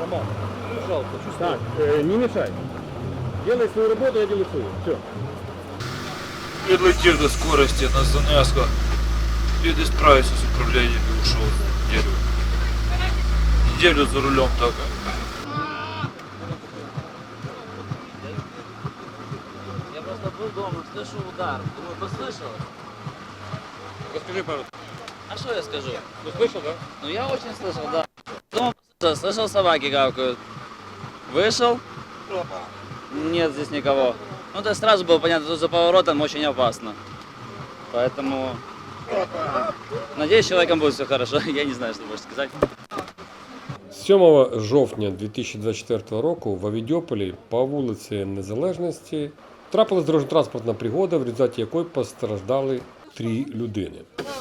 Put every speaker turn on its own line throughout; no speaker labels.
Роман, пожалуйста, чувствую.
Так, не мешай. Делай свою работу, я делаю свою. Все.
Подлетел до скорости на занязку. Еле справился с управлением и ушел неделю. Неделю за рулем только.
Я просто был дома, слышу удар. Думаю, послышалось?
Расскажи пару.
А что я скажу?
Ну слышал, да?
Ну я очень слышал, да. Дома слышал, собаки гавкают. Вышел. Нет здесь никого. Ну то сразу было понятно, что за поворотом очень опасно. Поэтому надеюсь, с человеком будет все хорошо. Я не знаю, что больше сказать.
7 жовтня 2024 року в Авідьополі по вулиці Незалежності трапилась дорожньо-транспортна пригода, в результаті якої постраждали 3 людини.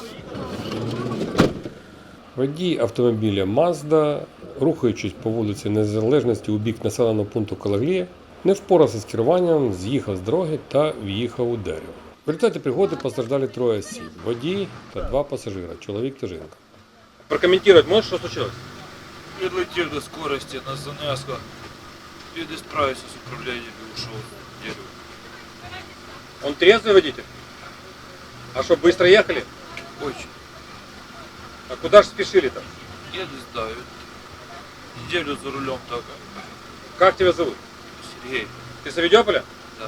Водій автомобіля Mazda, рухаючись по вулиці Незалежності у бік населеного пункту Калаглія, не впорався з керуванням, з'їхав з дороги та в'їхав у дерево. В результаті пригоди постраждали 3 осіб – водій та 2 пасажира, чоловік та жінка.
Прокомментировать можешь, что случилось?
Подлетел до скорости на занязку. Еле справился с управлением и ушел неделю.
Он трезвый водитель? А что, быстро ехали?
Очень.
А куда же спешили-то?
Я не знаю. Неделю за рулем только.
Как тебя зовут?
Сергей.
Ты с Авидеополя?
Да.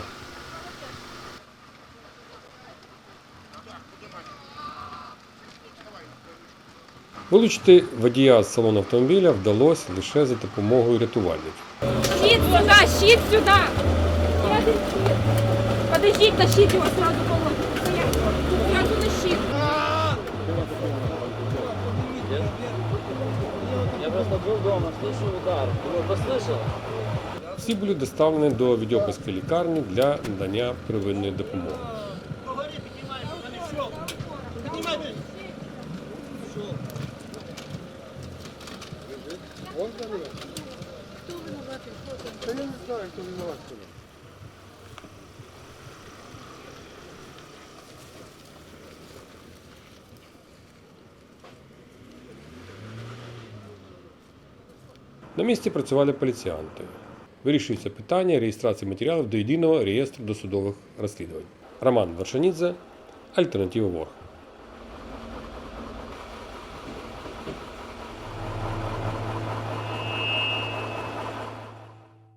Вилучити водія з салону автомобіля вдалося лише за допомогою рятувальників.
Щит сюда, щит сюда! Подождите, тащите его сразу по лодке. Сразу на щит.
Я просто был дома, слышу удар. Думаю, послышалось?
Всі були доставлені до Авідьопольської лікарні для надання первинної допомоги. На місці працювали поліціянти. Вирішується питання реєстрації матеріалів до єдиного реєстру досудових розслідувань. Роман Вершанідзе, Альтернатива ворг.